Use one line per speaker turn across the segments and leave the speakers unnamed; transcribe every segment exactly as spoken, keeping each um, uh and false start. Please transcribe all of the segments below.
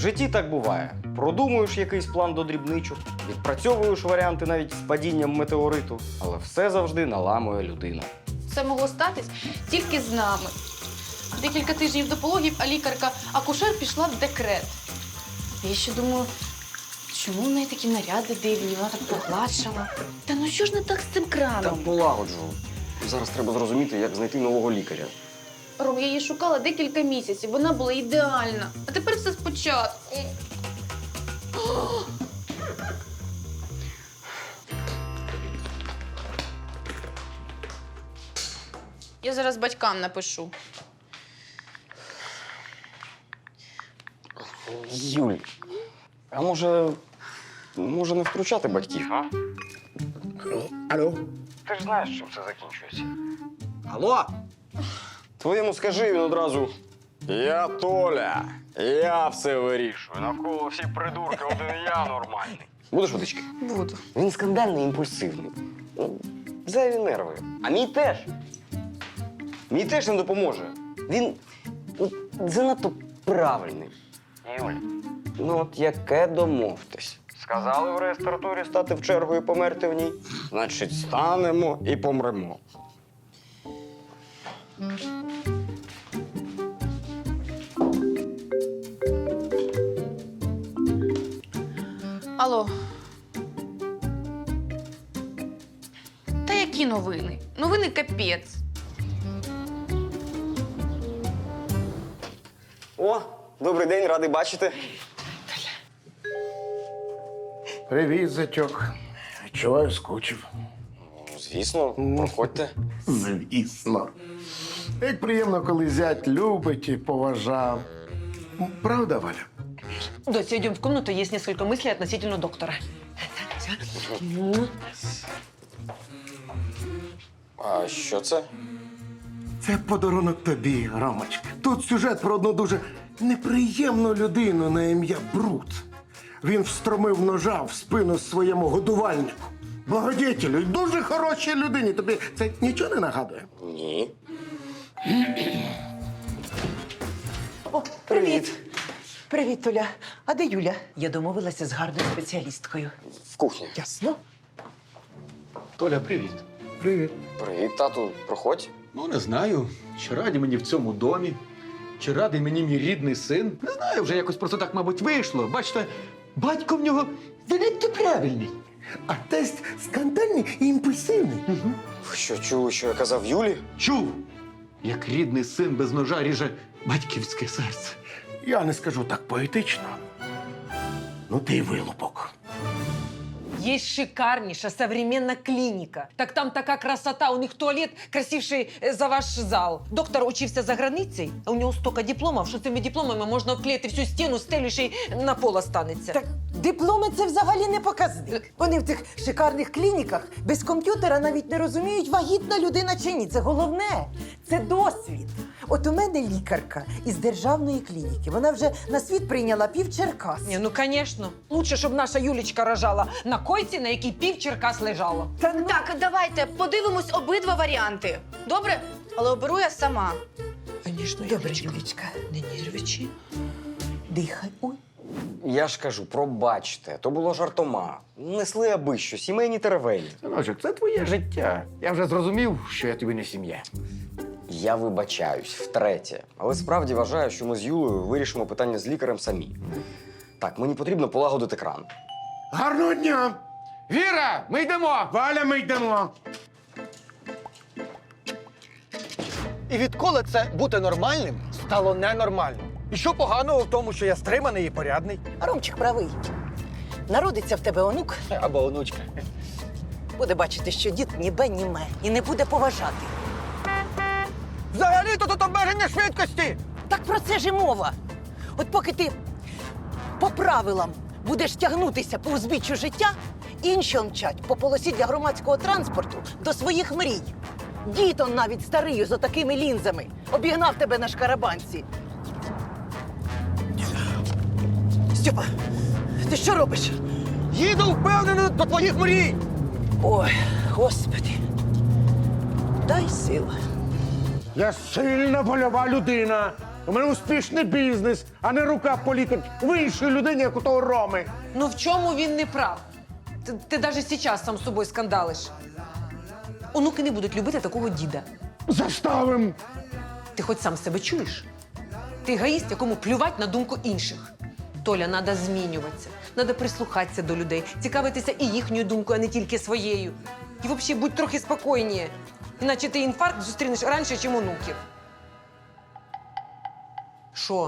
житті так буває. Продумуєш якийсь план до дрібничок, відпрацьовуєш варіанти навіть з падінням метеориту, але все завжди наламує людина.
Це могло статись тільки з нами. Декілька тижнів до пологів, а лікарка-акушер пішла в декрет. Я ще думаю, чому в неї такі наряди дивні, вона так погладшала. Та ну що ж не так з цим
Та
краном?
полагоджу. Зараз треба зрозуміти, як знайти нового лікаря.
Ром, я її шукала декілька місяців, вона була ідеальна. А тепер все спочатку. Я зараз батькам напишу.
Юль, а може, може не втручати батьків, а?
Алло?
Ти ж знаєш, чим це закінчується.
Алло?
Твоєму скажи він одразу. Я Толя, я все вирішую. Навколо всі придурки, один я нормальний. Будеш водички?
Буду.
Він скандальний, імпульсивний. Ну, зайві нерви. А мій теж. Мій теж не допоможе. Він ну, занадто правильний. Юль, ну от яке домовтесь. Сказали в реєстратурі стати в чергу і померти в ній. Значить, станемо і помремо.
Алло. Та які новини? Новини капець.
О, добрий день, радий бачити.
Привіт, зятьок. Чуваю, скучив.
Ну, звісно, проходьте.
Звісно. Як приємно, коли зять любить і поважав. Правда, Валя?
Дося, идем в комнату, есть несколько мыслей относительно доктора.
А що це?
Це подарунок тобі, Ромочка. Тут сюжет про одну дуже неприємну людину на ім'я Брут. Він встромив ножа в спину своєму годувальнику. Благодетелю, й дуже хорошій людині. Тобі це нічого не нагадує?
Ні.
О, привіт. Привіт, Толя. А де Юля? Я домовилася з гарною спеціалісткою.
В кухні.
Ясно?
Толя, привіт.
Привіт.
Привіт, тату, проходь.
Ну, не знаю, чи раді мені в цьому домі, чи радий мені мій рідний син. Не знаю, вже якось просто так, мабуть, вийшло. Бачите, батько в нього занадто правильний.
А тесть скандальний і імпульсивний.
Ви що, чули, що я казав Юлі?
Чув, як рідний син без ножа ріже батьківське серце.
Я не скажу так поетично. Ну, ти й вилупок.
Есть шикарнейшая современная клиника. Так там такая красота, у них туалет красивший э, за ваш зал. Доктор учился за границей, а у него столько дипломов, що цими дипломами можна обклеїти всю стіну, стелю, ще й на пол останеться.
Так дипломи – це взагалі не показник. Вони в цих шикарних клініках без комп'ютера навіть не розуміють, вагітна людина чи ні. Це головне. Це досвід. От у мене лікарка із державної клініки. Вона вже на світ прийняла пів Черкас.
Ні, ну, звісно. Лучше, щоб наша Юлічка рожала на койці, на якій пів Черкас лежало.
Та ну,
Так, давайте подивимось обидва варіанти. Добре? Але оберу я сама.
Звісно,
добре, Юлічка.
Не нервичи.
Дихай. Ой.
Я ж кажу, пробачте, то було жартома. Несли аби що, сімейні теревені.
Синочок, це твоє життя. Я вже зрозумів, що я тобі не сім'я.
Я вибачаюсь втретє, але справді вважаю, що ми з Юлею вирішимо питання з лікарем самі. Так, мені потрібно полагодити кран.
Гарного дня! Віра, ми йдемо! Валя, ми йдемо!
І відколи це бути нормальним стало ненормальним? І що поганого в тому, що я стриманий і порядний?
Ромчик правий. Народиться в тебе онук,
Або онучка.
буде бачити, що дід ніби німе і не буде поважати.
Взагалі-то тут обмеження швидкості!
Так про це ж і мова. От поки ти по правилам будеш тягнутися по узбіччю життя, інші мчать по полосі для громадського транспорту до своїх мрій. Дід он навіть старий з отакими лінзами обігнав тебе на шкарабанці. Стьопа, ти що робиш?
Їду впевнено до твоїх мрій!
Ой, Господи, дай сил.
Я сильна вольова людина. У мене успішний бізнес, а не рука політик в іншій людині, як у того Роми.
Ну в чому він не прав? Ти, ти навіть зараз сам з собою скандалиш. Онуки не будуть любити такого діда.
Заставим.
Ти хоч сам себе чуєш? Ти егоїст, якому плювать на думку інших. Толя, треба змінюватися, треба прислухатися до людей, цікавитися і їхньою думкою, а не тільки своєю. І взагалі будь трохи спокійніше. Іначе ти інфаркт зустрінеш раніше, ніж онуків. Що?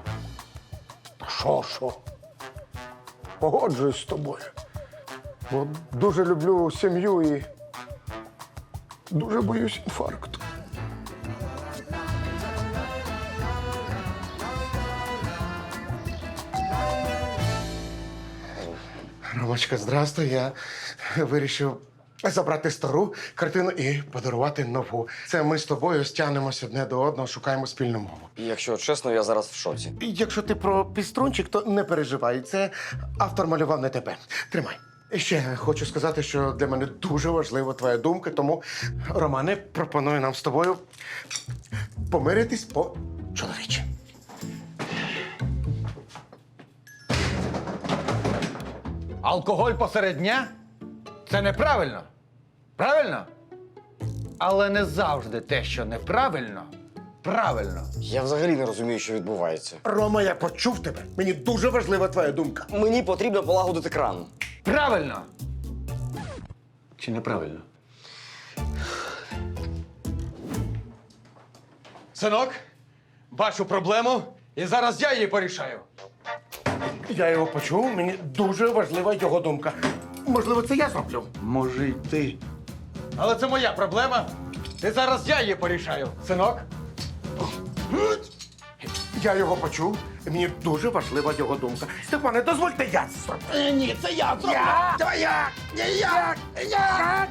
Що, що? Погоджуюсь з тобою. Бо дуже люблю сім'ю і дуже боюсь інфаркту. Ромочка, здрастуй. Я вирішив забрати стару картину і подарувати нову. Це ми з тобою стягнемось одне до одного, шукаємо спільну мову.
І якщо чесно, я зараз в шоці.
І якщо ти про піструнчик, то не переживай. Це автор малював не тебе. Тримай. І ще хочу сказати, що для мене дуже важлива твоя думка, тому, Романе, пропоную нам з тобою помиритись по-чоловічі.
Алкоголь посеред дня це неправильно. Правильно? Але не завжди те, що неправильно, правильно.
Я взагалі не розумію, що відбувається.
Рома, я почув тебе. Мені дуже важлива твоя думка.
Мені потрібно полагодити кран.
Правильно!
Чи неправильно?
Синок, бачу проблему, і зараз я її порішаю.
Я його почув, мені дуже важлива його думка. Можливо, це я зроблю.
Може, й ти.
Але це моя проблема, і зараз я її порішаю. Синок,
Я його почув, і мені дуже важлива його думка. Степане, дозвольте я це зроблю.
Е, ні, це я зроблю.
Я?
Давай я!
Ні, я! Я!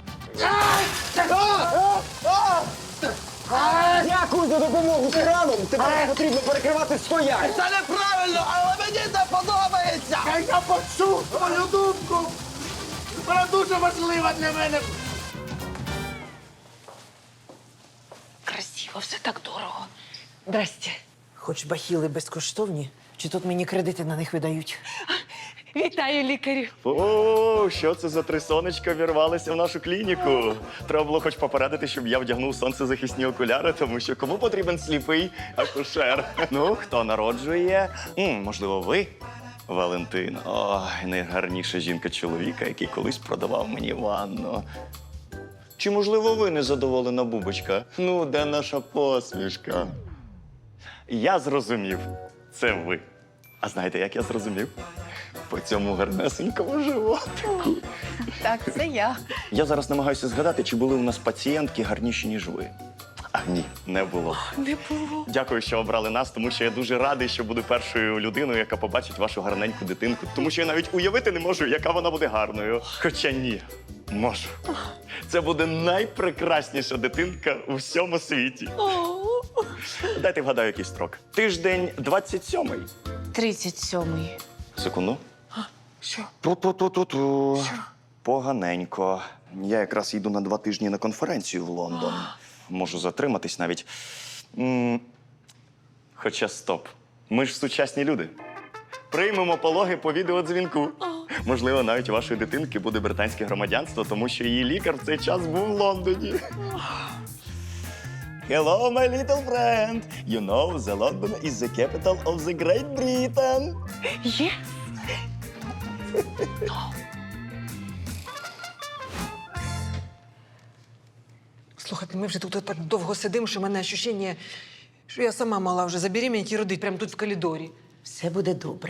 Дякую за допомогу з краном! Тепер потрібно перекривати стояк!
Це неправильно, але мені це подобається!
Я, я почув твою думку! Вона дуже важлива для мене.
Красиво, все так дорого. Здрасте. Хоч бахіли безкоштовні, чи тут мені кредити на них видають?
Вітаю, лікарю.
О, що це за три сонечка вірвалися в нашу клініку? Треба було хоч попередити, щоб я вдягнув сонцезахисні окуляри, тому що кому потрібен сліпий акушер? Ну, хто народжує? М, можливо, ви? Валентин. Ой, найгарніша жінка чоловіка, який колись продавав мені ванну. Чи, можливо, ви незадоволена бубочка? Ну, де наша посмішка? Я зрозумів. Це ви. А знаєте, як я зрозумів? По цьому гарнесенькому животику.
Так, це я.
Я зараз намагаюся згадати, чи були у нас пацієнтки гарніші, ніж ви. А ні, не було.
Не було.
Дякую, що обрали нас, тому що я дуже радий, що буду першою людиною, яка побачить вашу гарненьку дитинку. Тому що я навіть уявити не можу, яка вона буде гарною. Хоча ні, можу. Це буде найпрекрасніша дитинка у всьому світі. Дайте вгадаю, який строк. Тиждень двадцять сьомий.
тридцять сьомий.
Секунду.
Що?
Ту-ту-ту-ту-ту. Поганенько. Я якраз йду на два тижні на конференцію в Лондон. Можу затриматись навіть. М, Хоча стоп. Ми ж сучасні люди. Приймемо пологи по відеодзвінку. Можливо, навіть у вашої дитинки буде британське громадянство, тому що її лікар в цей час був в Лондоні. Hello, my little friend. You know, the London is the capital of the Great Britain.
Є?
Слухайте, ми вже тут так довго сидимо, що в мене відчуття, що я сама мала вже забеременіти і родити прямо тут в коридорі.
Все буде добре.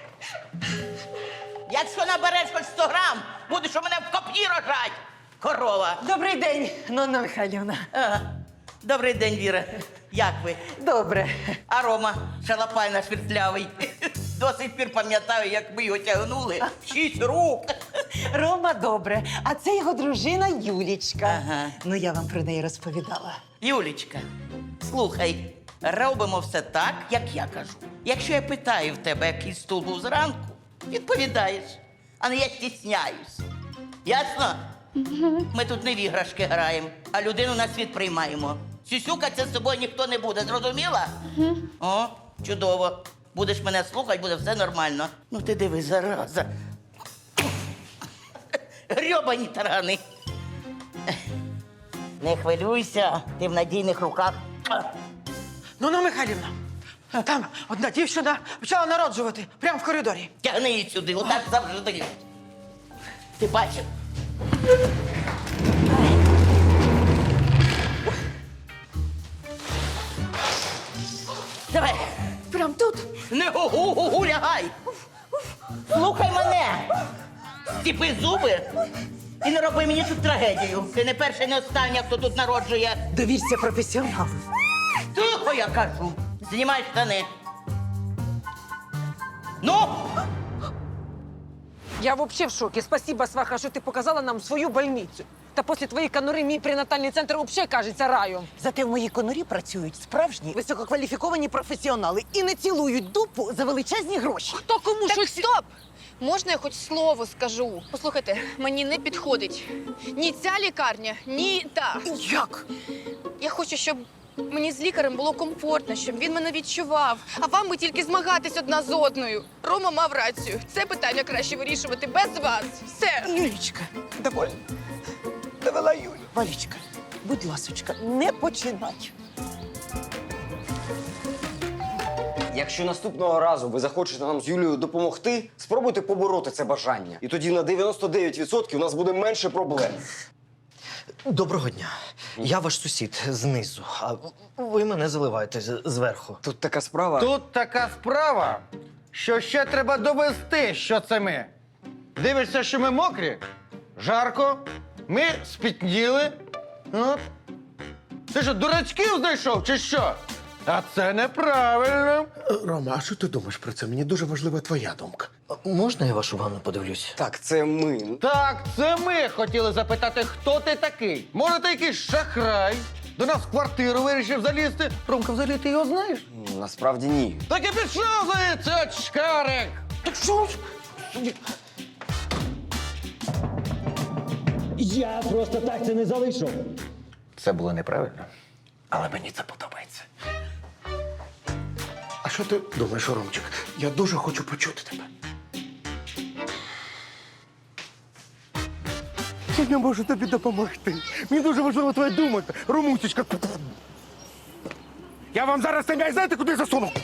Якщо набереш хоч сто грам, будеш у мене в копні рожать, корова.
Добрий день, Нонна Михайлівна.
Ага. Добрий день, Віра. Як ви?
Добре.
А Рома, шалапай наш віртлявий. До сих пір пам'ятаю, як ми його тягнули. Шість рук.
Рома добре, а це його дружина Юлічка.
Ага.
Ну, я вам про неї розповідала.
Юлічка, слухай, робимо все так, як я кажу. Якщо я питаю в тебе, який стул був зранку, відповідаєш. А не я стісняюсь. Ясно? Ми тут не в іграшки граємо, а людину на світ приймаємо. Сюсюкатися з собою ніхто не буде, зрозуміла? О, чудово. Будеш мене слухати, буде все нормально. Ну ти диви, зараза. Грьобані тарани. Не хвилюйся, ти в надійних руках.
Ну, ну, Михайлівна, там одна дівчина почала народжувати прямо в коридорі.
Тягни її сюди, отак завжди. Ти бачив? Давай.
Прям тут.
Не гу-гу-гу, лягай. Слухай мене. Стіпи зуби і не роби мені тут трагедію. Ти не перший, не останній, хто тут народжує.
Довірся професіоналу.
Тихо, я кажу. Знімай штани. Ну!
Я вообще в шоке. Спасибо, сваха, що ти показала нам свою больницю. Та після твоєї конури мій пренатальний центр взагалі кажеться раєм.
Зате в моїй конурі працюють справжні висококваліфіковані професіонали і не цілують дупу за величезні гроші.
Хто кому
Так,
щось...
стоп! Можна я хоч слово скажу? Послухайте, мені не підходить ні ця лікарня, ні та.
Як?
Я хочу, щоб мені з лікарем було комфортно, щоб він мене відчував. А вам би тільки змагатись одна з одною. Рома мав рацію. Це питання краще вирішувати без вас. Все.
Юлічка, довольно. Довела Юлю. Валічка, будь ласочка, не починай.
Якщо наступного разу ви захочете нам з Юлією допомогти, спробуйте побороти це бажання. І тоді на дев'яносто дев'ять відсотків у нас буде менше проблем.
Доброго дня. Я ваш сусід знизу, а ви мене заливаєте з- зверху.
Тут така справа.
Тут така справа, що ще треба довести, що це ми. Дивишся, що ми мокрі, жарко, ми спітніли. От. Ти що, дурачків знайшов чи що? А це неправильно.
Рома, а що ти думаєш про це? Мені дуже важлива твоя думка.
Можна я вашу ванну подивлюсь?
Так, це ми.
Так, це ми хотіли запитати, хто ти такий. Може, ти якийсь шахрай? До нас в квартиру вирішив залізти. Ромка, взагалі ти його знаєш?
Ну, насправді ні.
Так і пішов звідси, очкарик!
Так що?
Я просто так це не залишу.
Це було неправильно, але мені це подобається.
А що ти думаєш, Ромчик? Я дуже хочу почути тебе. Я не можу тобі допомогти. Мені дуже важлива твоя думка. Ромусечка. Я вам зараз цей м'яч знаєте, куди засуну?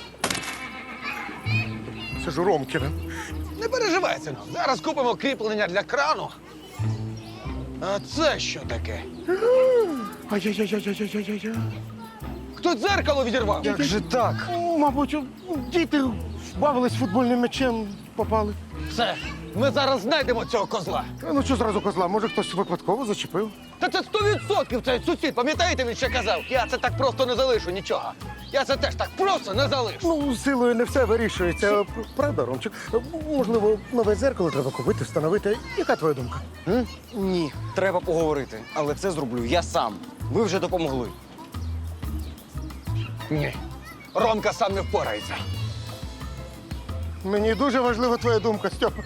Це ж Ромкіна.
Не переживай, синок. Зараз купимо кріплення для крану. А це що таке?
Ай-яй-яй-яй-яй-яй-яй.
Хто дзеркало відірвав?
Як же так?
Ну, мабуть, діти бавились футбольним м'ячем, попали.
Все, ми зараз знайдемо цього козла.
А, Ну що зразу козла? Може, хтось випадково зачепив?
Та це сто відсотків цей сусід. Пам'ятаєте, він ще казав? Я це так просто не залишу нічого. Я це теж так просто не залишу.
Ну, силою не все вирішується. Правда, Ромчик? Можливо, нове дзеркало треба купити, встановити. Яка твоя думка? М?
Ні, треба поговорити. Але це зроблю я сам. Ви вже допомогли.
Ні. Ромка сам не впорається.
Мені дуже важлива твоя думка, Стьопа.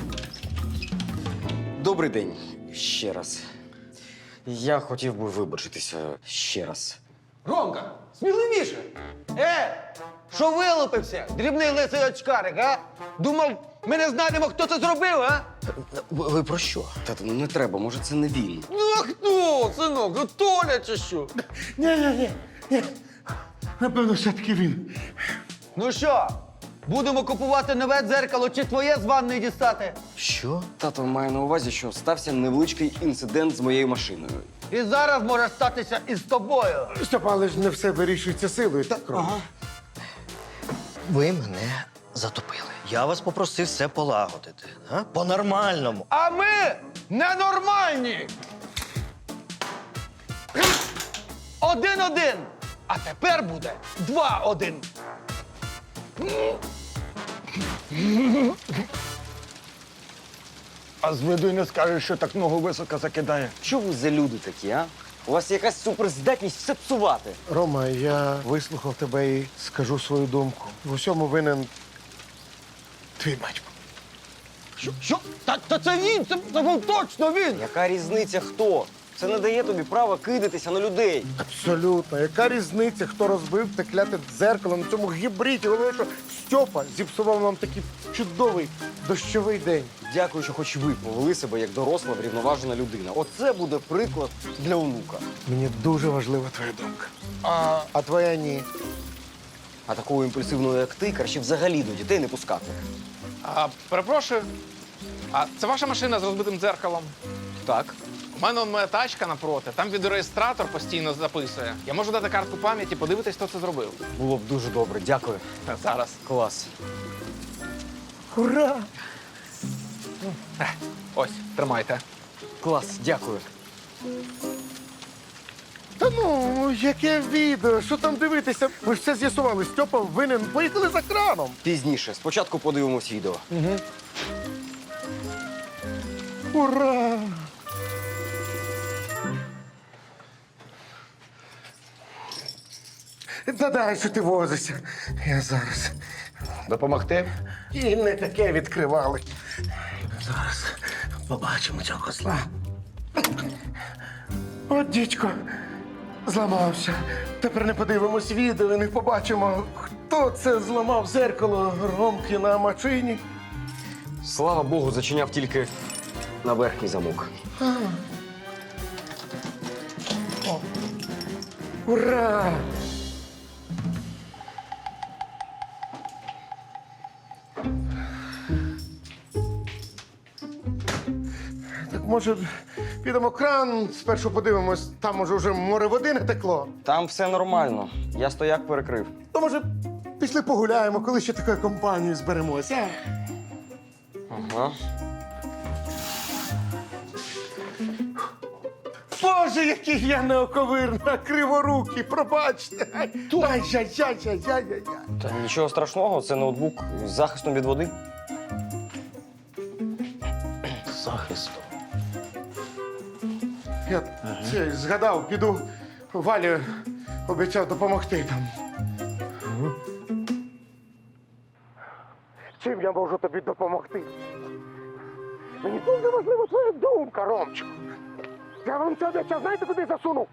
Добрий день. Ще раз. Я хотів би вибачитися ще раз.
Ромка, сміливіше. Е, що вилупився? Дрібний лисий очкарик, а? Думав, ми не знайдемо, хто це зробив, а?
Ви, ви про що?
Тато, ну не треба, може це не він.
Ну а хто, синок? Ну Толя чи що?
Ні-ні-ні. ні. Напевно, все-таки він.
Ну що, будемо купувати нове дзеркало чи твоє з ванної дістати?
Що?
Тато має на увазі, що стався невеличкий інцидент з моєю машиною.
І зараз може статися і з тобою.
Стьопа, але ж не все вирішується силою, так, Рома?
Ага. Ви мене затопили. Я вас попросив все полагодити. А? По-нормальному.
А ми ненормальні. Один-один. А тепер буде два-один. А з виду й не скажеш, що так ногу високо закидає.
Що ви за люди такі, а? У вас якась суперздатність все псувати.
Рома, я вислухав тебе і скажу свою думку. В усьому винен твій батько.
Що? Що? Та, та це він, це, це був точно він.
Яка різниця хто? Це не дає тобі права кидатися на людей.
Абсолютно. Яка різниця, хто розбив те кляте дзеркало на цьому гібриді? Головне, що Стьопа зіпсував нам такий чудовий дощовий день.
Дякую, що хоч ви повели себе як доросла, врівноважена людина. Оце буде приклад для онука.
Мені дуже важлива твоя думка. А, а твоя ні.
А такого імпульсивного, як ти, краще взагалі до дітей не пускати.
А, перепрошую, а це ваша машина з розбитим дзеркалом?
Так.
У мене он моя тачка напроти, там відеореєстратор постійно записує. Я можу дати картку пам'яті, подивитись, хто це зробив.
Було б дуже добре. Дякую.
Зараз.
Клас.
Ура!
Ось, тримайте.
Клас, дякую.
Та ну, яке відео? Що там дивитися? Ми ж все з'ясували. Стьопа винен. Поїхали за краном.
Пізніше. Спочатку подивимось відео.
Ура! Та дай, що ти возишся. Я зараз.
Допомогти?
І не таке відкривали. Зараз побачимо цього козла. От дідько, зламався. Тепер не подивимось відео і не побачимо, хто це зламав зеркало Ромки на машині.
Слава Богу, зачиняв тільки на верхній замок.
Ура! Так може підемо кран, спершу подивимось, там може вже море води не текло.
Там все нормально. Я стояк перекрив.
То може пішли погуляємо, коли ще такою компанією зберемося.
Ага.
Боже, який я неоковирна, криворукий, пробачте. Ай-яй-яй-яй-яй-яй.
Та нічого страшного, це ноутбук з захистом від води.
Захисту.
Я це, згадав, піду Валі обіцяв допомогти там. Чим я можу тобі допомогти? Мені дуже важлива твоя думка, Ромчику. Я вам це обіцяв, знаєте, куди засунув?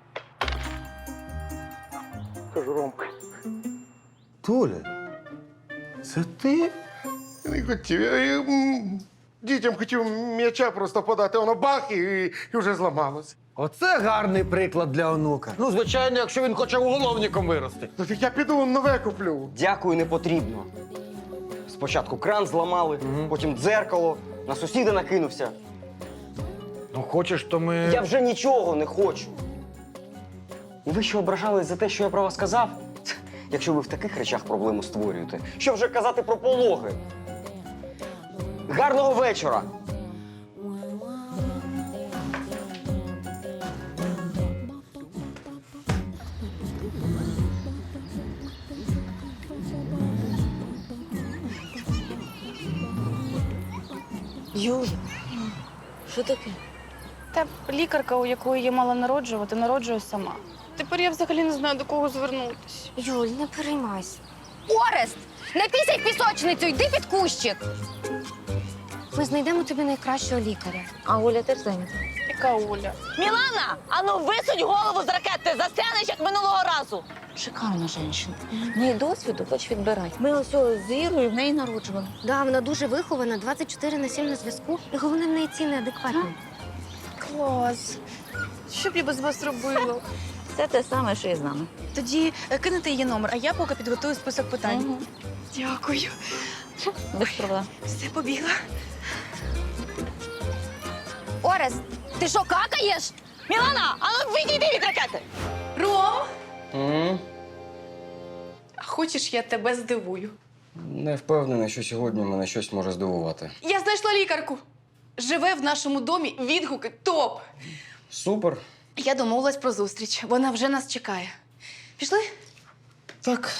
Кажу, Ромка.
Толя,
Це ти? Я не хотів. Я, я, м, дітям хотів м'яча просто подати, воно бах і, і вже зламалося.
Оце гарний приклад для онука. Ну, звичайно, якщо він хоче уголовником вирости.
Ну так я піду нове куплю.
Дякую, не потрібно. Спочатку кран зламали, потім дзеркало, на сусіда накинувся.
Ну, хочеш, то ми.
Я вже нічого не хочу. І ви що ображались за те, що я про вас сказав? Ц, Якщо ви в таких речах проблему створюєте, що вже казати про пологи? Гарного вечора!
Юля, що таке?
Та лікарка, у якої я мала народжувати, народжує сама. Тепер я взагалі не знаю, до кого звернутися.
Юль, не переймайся. Орест! Не пісяй в пісочницю, йди під кущик. Ми знайдемо тобі найкращого лікаря. А Оля теж зайнята.
Яка Оля?
Мілана, ану висунь голову з ракети, застрянеш, як минулого разу.
Шикарна жінка. В неї досвіду хоч відбирай. Ми ось з Ірою в неї народжували. Да, вона дуже вихована, двадцять чотири на сім на зв'язку. І головне, в неї ціни адекватні.
Клас. Що б я без вас робила?
Це те саме, що і з нами.
Тоді е, кинете її номер, а я поки підготую список питань.
Угу.
Дякую.
Без проблем.
Все, побігла.
Орест, ти що, какаєш?
Мілана, ану відійди від ракети.
Ром!
М?
А хочеш, я тебе здивую?
Не впевнений, що сьогодні мене щось може здивувати.
Я знайшла лікарку. Живе в нашому домі, відгуки топ.
Супер.
Я домовилась про зустріч. Вона вже нас чекає. Пішли?
Так.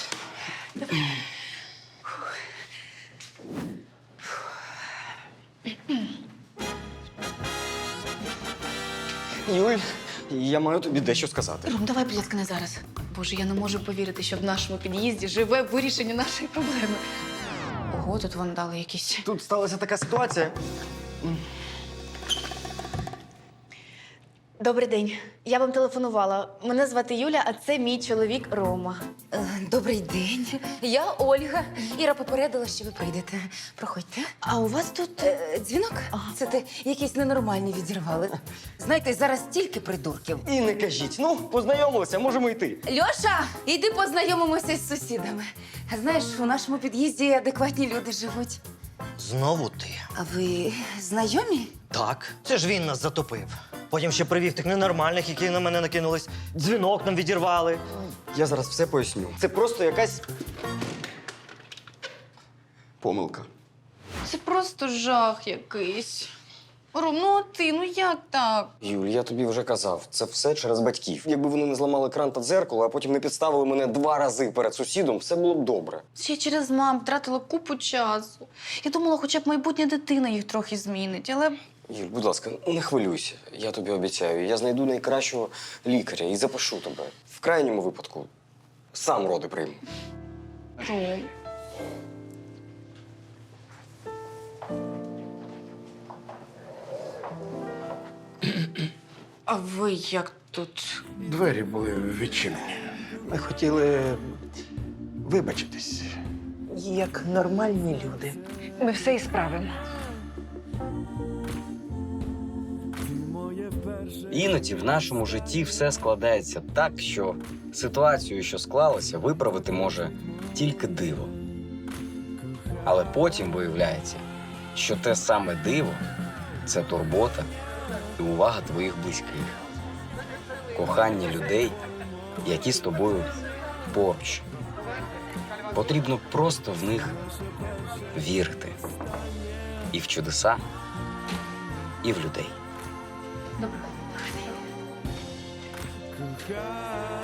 Юль, я маю тобі дещо сказати.
Ром, давай, будь ласка, не зараз. Боже, я не можу повірити, що в нашому під'їзді живе вирішення нашої проблеми. Ого, тут вандали якісь.
Тут сталася така ситуація.
Добрий день. Я вам телефонувала. Мене звати Юля, а це мій чоловік Рома.
Е, Добрий день. Я Ольга. Іра попередила, що ви прийдете. Проходьте.
А у вас тут.
Е, Дзвінок? Це те, якісь ненормальні відірвали. Знаєте, зараз стільки придурків.
І не кажіть. Ну, познайомилися, можемо йти.
Льоша, іди познайомимося з сусідами. Знаєш, у нашому під'їзді адекватні люди живуть.
Знову ти.
А ви знайомі?
Так, це ж він нас затопив. Потім ще привів тих ненормальних, які на мене накинулись. Дзвінок нам відірвали.
Я зараз все поясню. Це просто якась помилка.
Це просто жах якийсь. Ром, ну а ти, ну як так?
Юль, я тобі вже казав, це все через батьків. Якби вони не зламали кран та дзеркало, а потім не підставили мене два рази перед сусідом, все було б добре.
Ще й через мам втратила купу часу. Я думала, хоча б майбутня дитина їх трохи змінить, але
Юль, будь ласка, не хвилюйся. Я тобі обіцяю. Я знайду найкращого лікаря і запишу тебе. В крайньому випадку сам роди прийму.
Ром. А ви як тут?
Двері були відчинені.
Ми хотіли вибачитись.
Як нормальні люди.
Ми все і справимо.
Іноді в нашому житті все складається так, що ситуацію, що склалася, виправити може тільки диво. Але потім виявляється, що те саме диво – це турбота і увага твоїх близьких, кохання людей, які з тобою поруч. Потрібно просто в них вірити. І в чудеса, і в людей.
Добре.